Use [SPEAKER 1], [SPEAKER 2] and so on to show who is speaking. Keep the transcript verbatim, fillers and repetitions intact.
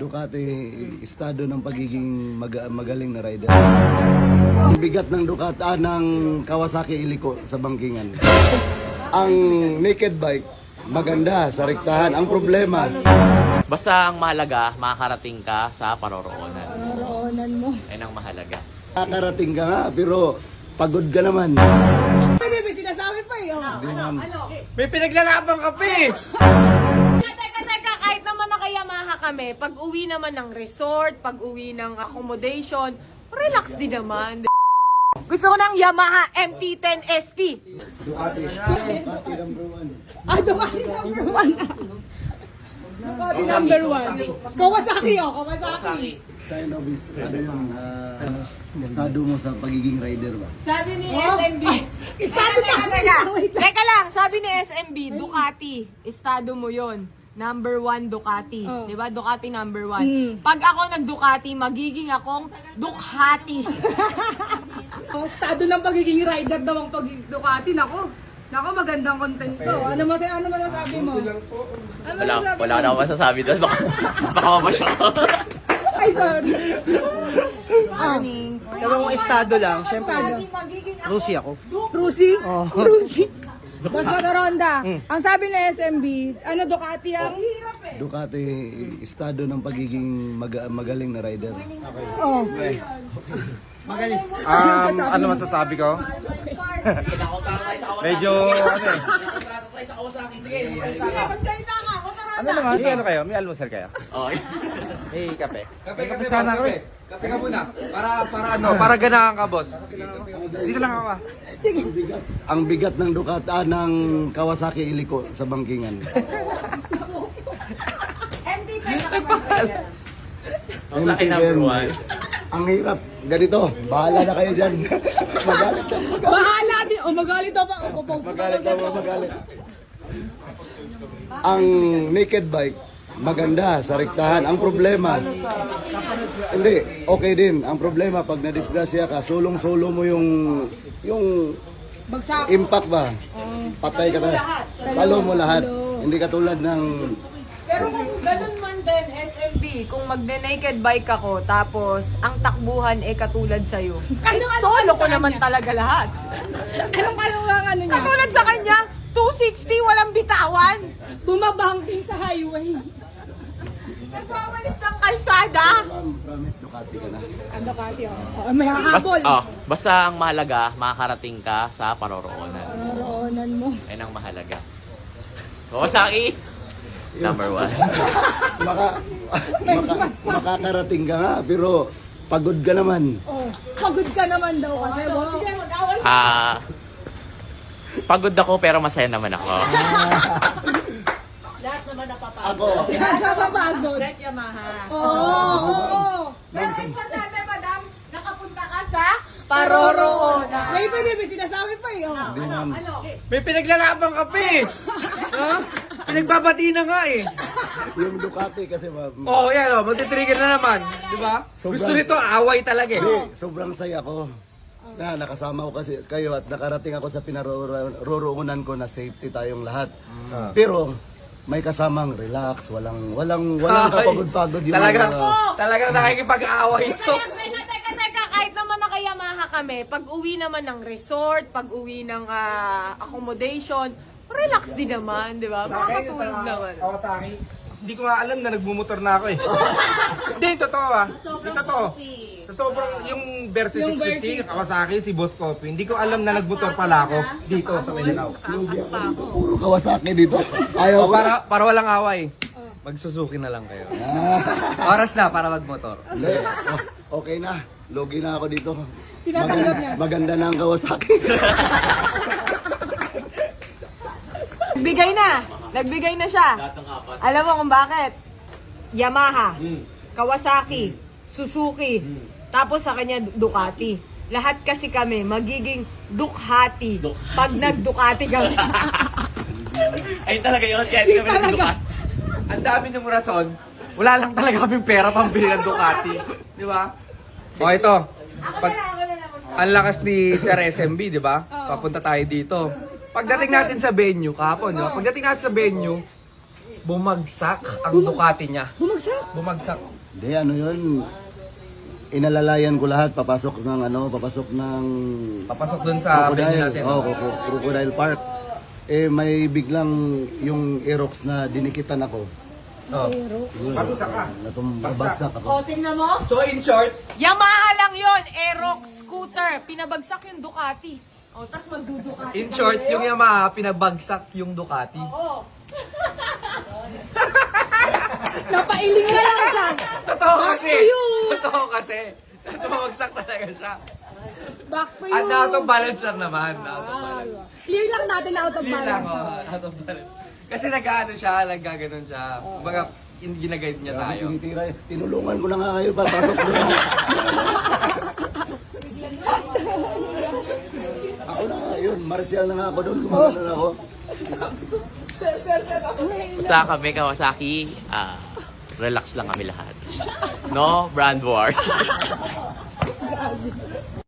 [SPEAKER 1] Ducati, estado ng pagiging mag- magaling na rider. Ang bigat ng Ducati, ah, ng Kawasaki iliko sa bangkingan. Ang naked bike, maganda sa rektahan. Ang problema,
[SPEAKER 2] Basta ang mahalaga, makakarating ka sa paroroonan.
[SPEAKER 3] Paroroonan mo.
[SPEAKER 2] Yan ang mahalaga.
[SPEAKER 1] nakarating ka nga, pero pagod ka naman.
[SPEAKER 3] Pwede ba sinasabi pa yun?
[SPEAKER 1] Hindi naman.
[SPEAKER 4] May pinaglalabang ka pa eh.
[SPEAKER 5] Teka, teka, kahit naman naka-Yamaha kami, pag uwi naman ng resort, pag uwi ng accommodation, relax din naman. Gusto ko ng Yamaha M T ten S P.
[SPEAKER 1] Ducati, Ducati number one.
[SPEAKER 3] Ah, Ducati number one. Ducati number one. Kawasaki oh, Kawasaki.
[SPEAKER 1] Sign of his, ano yung, ah, estado mo sa pagiging rider ba?
[SPEAKER 5] Sabi ni
[SPEAKER 3] Oh.
[SPEAKER 5] S M B. Estado teka, teka, teka lang, sabi ni S M B, Ducati, estado mo yon. Number one Ducati.
[SPEAKER 3] Oh.
[SPEAKER 5] Di ba? Ducati number one.
[SPEAKER 3] Hmm.
[SPEAKER 5] Pag ako nag-Ducati, magiging akong Ducati.
[SPEAKER 3] Ang estado ng pagiging rider daw ang pagiging Ducati. Nako, nako magandang content to. Ano mas ano masasabi mo? Ano
[SPEAKER 2] Wala,
[SPEAKER 3] masasabi
[SPEAKER 2] wala
[SPEAKER 3] mo?
[SPEAKER 2] na akong masasabi doon. Baka, baka mamasya ko.
[SPEAKER 3] Ay, sorry. Ah,
[SPEAKER 4] Pero kung estado lang, syempre,
[SPEAKER 5] Magiging ako
[SPEAKER 4] Lucy ako.
[SPEAKER 3] Rusi? Oh. Rusi. Mas Mataronda, ang sabi ng S M B, ano Ducati ang?
[SPEAKER 1] Ducati, estado ng pagiging mag- magaling na rider.
[SPEAKER 3] Oh.
[SPEAKER 4] Um, ano masasabi ko? Medyo, ano eh.
[SPEAKER 5] Magsalita ka, Mataronda.
[SPEAKER 4] Ano naman? May ano kayo? May almusal kayo?
[SPEAKER 2] Okay.
[SPEAKER 4] May kape? May kape sana kami. Kape ka muna. Para, para ano? Para ganahan ka, boss. Dito lang ako ah.
[SPEAKER 1] Ang bigat ng Ducati, ah, ng Kawasaki iliko sa bangkingan.
[SPEAKER 5] M T ten na
[SPEAKER 2] Ang sa akin number one.
[SPEAKER 1] Ang hirap. Ganito, bahala na kayo dyan. Magalit na,
[SPEAKER 3] Bahala din. O magalit daw pa. O post
[SPEAKER 1] magalit na, magalit. Ang naked bike, maganda sa rektahan. Ang problema, hindi, okay din. Ang problema, pag nadisgrasya ka, sulong-sulo mo yung, yung
[SPEAKER 3] Bagsak.
[SPEAKER 1] impact ba? Patay ka talaga. Salo mo lahat. Hindi katulad ng
[SPEAKER 5] Pero kung ganun man din, S M B, kung magde-naked bike ako, tapos ang takbuhan eh katulad sa'yo, eh,
[SPEAKER 3] Ano- ano-
[SPEAKER 5] solo
[SPEAKER 3] ano
[SPEAKER 5] ko
[SPEAKER 3] sa
[SPEAKER 5] naman
[SPEAKER 3] kanya?
[SPEAKER 5] talaga lahat.
[SPEAKER 3] Anong kalawang ano niya?
[SPEAKER 5] Katulad sa kanya, two sixty, walang bitawan.
[SPEAKER 3] Bumabangking sa highway.
[SPEAKER 5] Nagwawalis ng kalsada.
[SPEAKER 1] promise Ducati ka na.
[SPEAKER 3] Ang Ducati oh. Oh, may
[SPEAKER 2] Bas,
[SPEAKER 3] hahabol.
[SPEAKER 2] oh, basta ang mahalaga, makakarating ka sa paroroonan.
[SPEAKER 3] Paroroonan mo.
[SPEAKER 2] Yan ang mahalaga. Kawasaki, number one.
[SPEAKER 1] Maka, maka, makakarating ka nga, pero pagod ka naman.
[SPEAKER 3] Oh, pagod ka naman daw kasi. boss. Sige, mag-awal.
[SPEAKER 2] Ah, pagod ako pero masaya naman ako.
[SPEAKER 1] Ako,
[SPEAKER 3] Nakakapagod. Oo, oo, oo.
[SPEAKER 5] Pero importante, madam, nakapunta ka sa paroroonan.
[SPEAKER 3] May pwede ba sinasabi pa yun?
[SPEAKER 1] hindi naman.
[SPEAKER 4] May pinaglalabang ka pa eh. Ha? Pinagbabati na nga eh.
[SPEAKER 1] Yung Ducati kasi, ma-
[SPEAKER 4] Oo, oh, yan o. Magti-trigger na naman. Di ba?
[SPEAKER 1] Sobrang-
[SPEAKER 4] Gusto nito, away talaga eh.
[SPEAKER 1] Hindi, sobrang saya ko. Na nakasama ko kasi kayo at nakarating ako sa pinaroroonan ko na safety tayong lahat. Pero may kasamang relax, walang walang walang
[SPEAKER 4] Ay,
[SPEAKER 1] kapagod-pagod yung
[SPEAKER 4] Talagang,
[SPEAKER 1] mga-
[SPEAKER 4] talagang nakikipag-away ito.
[SPEAKER 5] Teka, teka, teka, teka, kahit naman naka-Yamaha kami, pag uwi naman ng resort, pag uwi ng ah, accommodation, relax din naman, di ba? Makakatulog naman.
[SPEAKER 4] Kawasaki, hindi ko nga alam na nagmumotor na ako eh. Hindi, totoo ah. Hindi totoo. Sa sobrang, yung Versus
[SPEAKER 3] Yung
[SPEAKER 4] six fifty,
[SPEAKER 3] Versys.
[SPEAKER 4] Kawasaki, si Boss Coffee, hindi ko alam na nagmotor pala ako dito sa Mindanao.
[SPEAKER 1] Lugi ako dito, puro Kawasaki dito. Ayaw
[SPEAKER 4] O,
[SPEAKER 1] ko.
[SPEAKER 4] para, para walang away. Magsusuki na lang kayo. Oras na para magmotor.
[SPEAKER 1] Hindi, oh, okay na. Logi na ako dito.
[SPEAKER 3] Tinatanggap
[SPEAKER 1] Maganda,
[SPEAKER 3] niya.
[SPEAKER 1] maganda na ang Kawasaki.
[SPEAKER 5] Nagbigay na. Nagbigay na siya. Alam mo kung bakit? Yamaha, Kawasaki, Suzuki, tapos sa kanya Ducati. Lahat kasi kami magiging Ducati pag nag-Ducati kami.
[SPEAKER 2] Ayun talaga yun, kaya hindi kami nagduka.
[SPEAKER 4] Ang dami ng rason, wala lang talaga kaming pera pambili ng Ducati. Di ba? O ito, pag, ang lakas ni Sir S M B, di ba? Papunta tayo dito. Pagdating natin sa venue, kahapon, di ba? Pagdating natin sa venue, bumagsak ang Ducati niya.
[SPEAKER 5] Bumagsak.
[SPEAKER 4] Bumagsak.
[SPEAKER 1] Hindi, ano yun, inalalayan ko lahat, papasok ng ano, papasok ng
[SPEAKER 4] Papasok dun sa venue
[SPEAKER 1] Crocodile,
[SPEAKER 4] natin.
[SPEAKER 1] oh, Croco- Crocodile Park. Eh, may biglang yung Aerox na dinikitan ako.
[SPEAKER 4] Oh.
[SPEAKER 1] Bagsak ka? Natumabagsak ako.
[SPEAKER 5] O, tingnan mo.
[SPEAKER 4] So in short,
[SPEAKER 5] Yamaha lang yon, Aerox scooter. Pinabagsak yung Ducati. O, tas magdudukati.
[SPEAKER 4] in short, yung Yamaha pinabagsak yung Ducati.
[SPEAKER 5] Oo. Napailing na lang siya.
[SPEAKER 4] Totoo kasi.
[SPEAKER 5] to you.
[SPEAKER 4] Totoo kasi. Tumagsak talaga siya.
[SPEAKER 5] Back to you.
[SPEAKER 4] At out of balance lang naman. Out of balance.
[SPEAKER 5] Clear lang natin na out of
[SPEAKER 4] Clear lang,
[SPEAKER 5] balance.
[SPEAKER 4] oh, out of balance. Kasi nag-ano siya, nag-gaganon siya. Kumbaga, in- ginaguide niya
[SPEAKER 1] Grabe,
[SPEAKER 4] tayo.
[SPEAKER 1] tinitira. Tinulungan ko na nga kayo, papasok ko na. Ako na nga yun, martial na nga ako doon, gumagano na ako.
[SPEAKER 2] Basta kami, Kawasaki, ah, relax lang kami lahat. No brand wars.